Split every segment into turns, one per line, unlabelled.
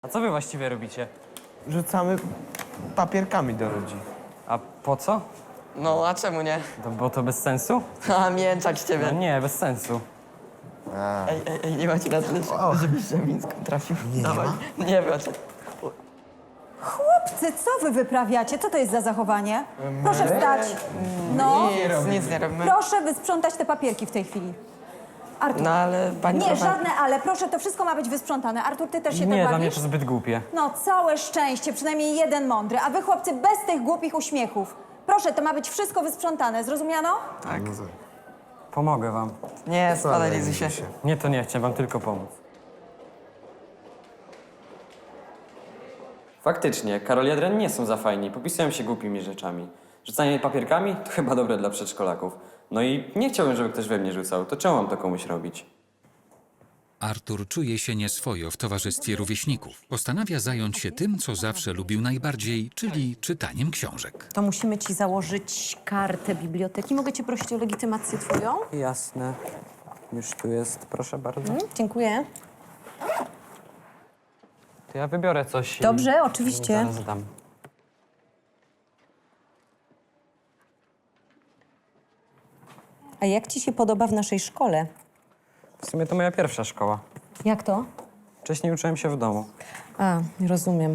A co wy właściwie robicie?
Rzucamy papierkami do ludzi.
A po co?
No, a czemu nie?
Bo to bez sensu?
A, mięczak z
No
ciebie.
nie, bez sensu.
Ej, nie macie na tyle, żebyś Żabińską trafił.
Nie
Dawaj.
ma?
Nie macie.
Chłopcy, co wy wyprawiacie? Co to jest za zachowanie? Proszę wstać. No,
Nic nie robimy.
proszę wysprzątać te papierki w tej chwili. Artur.
No, ale pani
Nie,
prowadzi.
żadne ale. Proszę, to wszystko ma być wysprzątane. Artur, ty też się
Nie,
tak
dla mnie
bawisz?
to zbyt głupie.
No, całe szczęście, przynajmniej jeden mądry. A wy, chłopcy, bez tych głupich uśmiechów. Proszę, to ma być wszystko wysprzątane. Zrozumiano?
Tak.
Pomogę wam.
Nie, spadaj, lizuj się.
Nie, to nie, chciałem wam tylko pomóc. Faktycznie, Karol i Adrian nie są za fajni, popisują się głupimi rzeczami. Rzucanie papierkami to chyba dobre dla przedszkolaków. No i nie chciałbym, żeby ktoś we mnie rzucał, to czemu mam to komuś robić?
Artur czuje się nieswojo w towarzystwie rówieśników. Postanawia zająć się tym, co zawsze lubił najbardziej, czyli czytaniem książek.
To musimy ci założyć kartę biblioteki. Mogę cię prosić o legitymację twoją?
Jasne. Już tu jest, proszę bardzo.
Dziękuję.
To ja wybiorę coś i
Dobrze, oczywiście.
zaraz dam.
A jak ci się podoba w naszej szkole?
W sumie to moja pierwsza szkoła.
Jak to?
Wcześniej uczyłem się w domu.
A, rozumiem.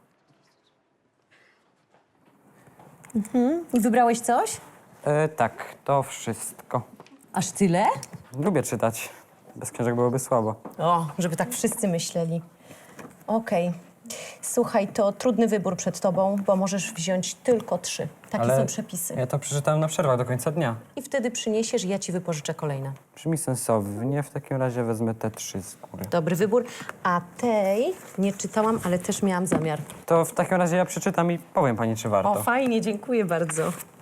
I wybrałeś coś?
Tak, to wszystko.
Aż tyle?
Lubię czytać. Bez książek byłoby słabo.
O, żeby tak wszyscy myśleli. Okej. Słuchaj, to trudny wybór przed tobą, bo możesz wziąć tylko 3. Takie są przepisy.
Ja to przeczytałem na przerwach do końca dnia.
I wtedy przyniesiesz i ja ci wypożyczę kolejne.
Brzmi sensownie, w takim razie wezmę te 3 z góry.
Dobry wybór. A tej nie czytałam, ale też miałam zamiar.
To w takim razie ja przeczytam i powiem pani, czy warto.
O, fajnie, dziękuję bardzo.